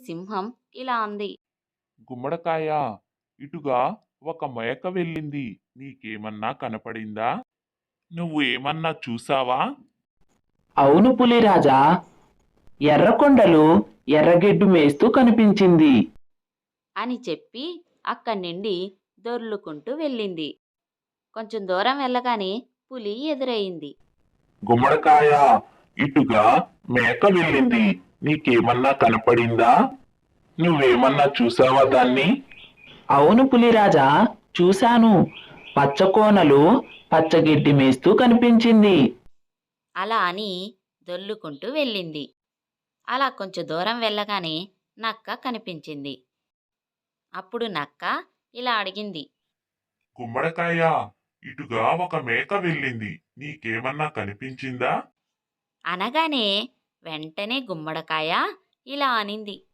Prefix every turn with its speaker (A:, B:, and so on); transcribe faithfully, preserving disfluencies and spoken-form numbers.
A: సింహం ఇలా అంది.
B: గుమ్మడికాయ, ఇటుగా ఒక మేక వెళ్ళింది. నీకేమన్నా కనపడిందా? నువ్వు ఏమన్నా చూసావా?
C: అవును పులిరాజా, ఎర్రకొండలు ఎర్రగెడ్డు మేస్తూ కనిపించింది
A: అని చెప్పి అక్కడి నుండి దొర్లుకుంటూ వెళ్ళింది. కొంచెం దూరం వెళ్ళగానే పులి ఎదురయింది.
B: గుమ్మడికాయ, ఇటుగా మేక వెళ్ళింది. నీకేమన్నా కనపడిందా? నువ్వేమన్నా చూసావా దాన్ని?
C: అవును పులిరాజా, చూశాను. పచ్చకోనలు పచ్చగెడ్డి మేస్తూ కనిపించింది
A: అలా అని దొర్లుకుంటూ వెళ్ళింది. అలా కొంచెం దూరం వెళ్ళగానే నక్క కనిపించింది. అప్పుడు నక్క ఇలా అడిగింది.
B: గుమ్మడికాయ, ఇటుగా ఒక మేక వెళ్ళింది. నీకేమన్నా కనిపించిందా?
A: అనగానే వెంటనే గుమ్మడికాయ ఇలా అనింది.